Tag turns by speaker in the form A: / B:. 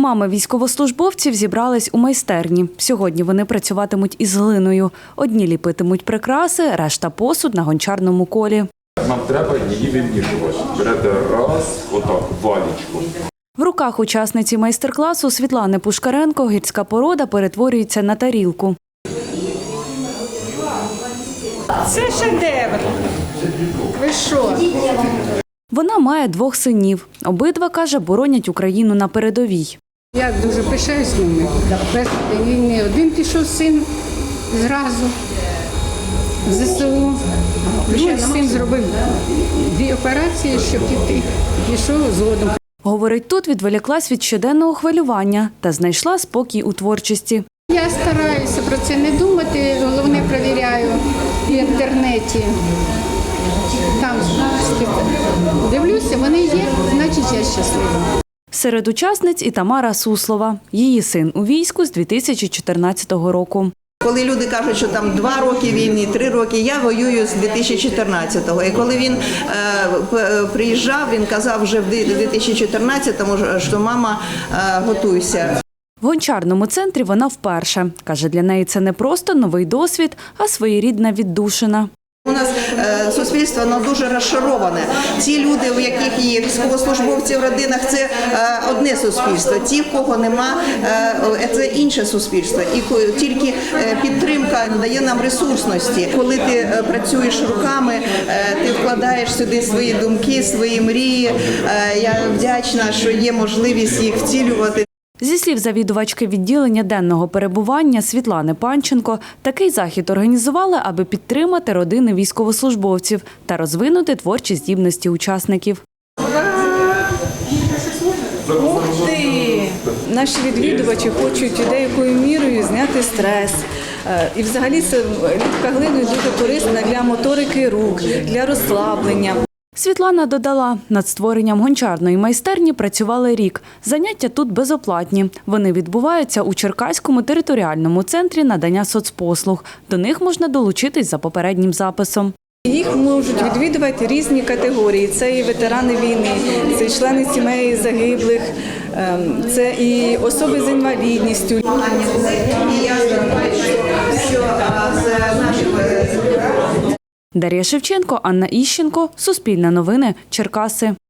A: Мами військовослужбовців зібрались у майстерні. Сьогодні вони працюватимуть із глиною. Одні ліпитимуть прикраси, решта – посуд на гончарному колі.
B: Нам треба її вимішувати. Берете раз, отак, валічку.
A: В руках учасниці майстер-класу Світлани Пушкаренко гірська порода перетворюється на тарілку.
C: Це шедевр. Ви що?
A: Вона має 2 синів. Обидва, каже, боронять Україну на передовій.
C: Я дуже пишаюсь ними. Перший день війни один пішов син зразу в ЗСУ. Другий син зробив 2 операції, щоб піти. Пішов згодом.
A: Говорить, тут відволіклась від щоденного хвилювання та знайшла спокій у творчості.
C: Я стараюся про це не думати, головне перевіряю в інтернеті. Там дивлюся, вони є, значить я щаслива.
A: Серед учасниць і Тамара Суслова. Її син у війську з 2014 року.
D: Коли люди кажуть, що там 2 роки війни, 3 роки, я воюю з 2014-го. І коли він приїжджав, він казав вже в 2014-му, що мама, готуйся.
A: В гончарному центрі вона вперше. Каже, для неї це не просто новий досвід, а своєрідна віддушина.
D: У нас суспільство воно дуже розшароване. Ці люди, у яких є військовослужбовці в родинах, це одне суспільство. Ті, в кого нема, це інше суспільство. І тільки підтримка дає нам ресурсності. Коли ти працюєш руками, ти вкладаєш сюди свої думки, свої мрії. Я вдячна, що є можливість їх втілювати.
A: Зі слів завідувачки відділення денного перебування Світлани Панченко, такий захід організували, аби підтримати родини військовослужбовців та розвинути творчі здібності учасників.
E: Ух ти! Наші відвідувачі хочуть деякою мірою зняти стрес. І взагалі ліпка глиною дуже корисна для моторики рук, для розслаблення.
A: Світлана додала, над створенням гончарної майстерні працювали рік. Заняття тут безоплатні. Вони відбуваються у Черкаському територіальному центрі надання соцпослуг. До них можна долучитись за попереднім записом.
E: Їх можуть відвідувати різні категорії. Це і ветерани війни, це і члени сімей загиблих, це і особи з інвалідністю.
A: Дар'я Шевченко, Анна Іщенко, Суспільне новини, Черкаси.